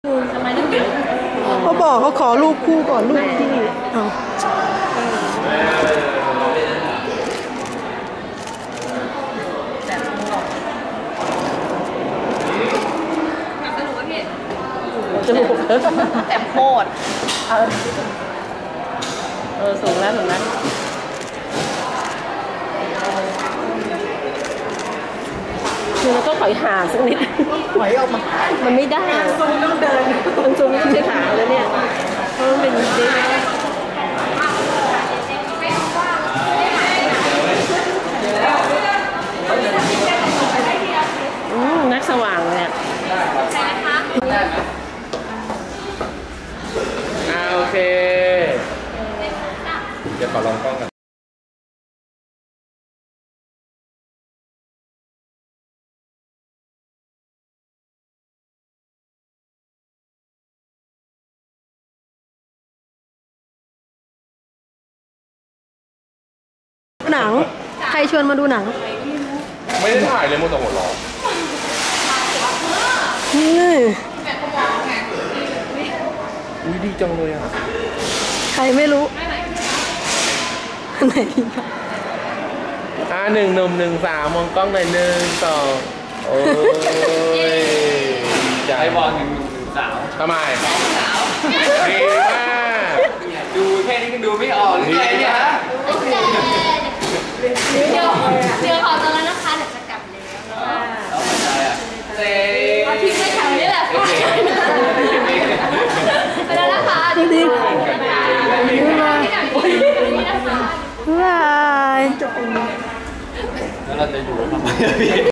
ทำไมต้องหยุดเขาบอกเขาขอรูปคู่ก่อนรูปที่เอาจมูกแต่โคตรสูงแล้วคือเราต้องถอยห่างสักนิดถอยออกมามันไม่ได้ซูมต้องเดินมันซูมไม่ใช่ขาแล้วเนี่ยเพราะมันเป็นดินักสว่างเลยโอเคเดี๋ยวขอลองกล้องกันหนังใครชวนมาดูหนังไม่ได้ถ่ายเลยมัวแต่หัวเราะอุ้ยดีจังเลยอ่ะใครไม่รู้ไหน 1 1 1 3มองกล้องหน่อย1 2โอ้ยใจบอล1 1 1 3 ทำไมดีมากดูแค่นี้ก็ดูไม่ออกหรือไงเนี่ยฮะเดี๋ยวขอตัวแล้วนะคะเดี๋ยวจะกลับแล้วเอาไปใจอ่ะเอาทิ้งไว้แถวนี้แหละไปแล้วนะคะดีบ๊ายบายแล้วเราจะอยู่ทำไม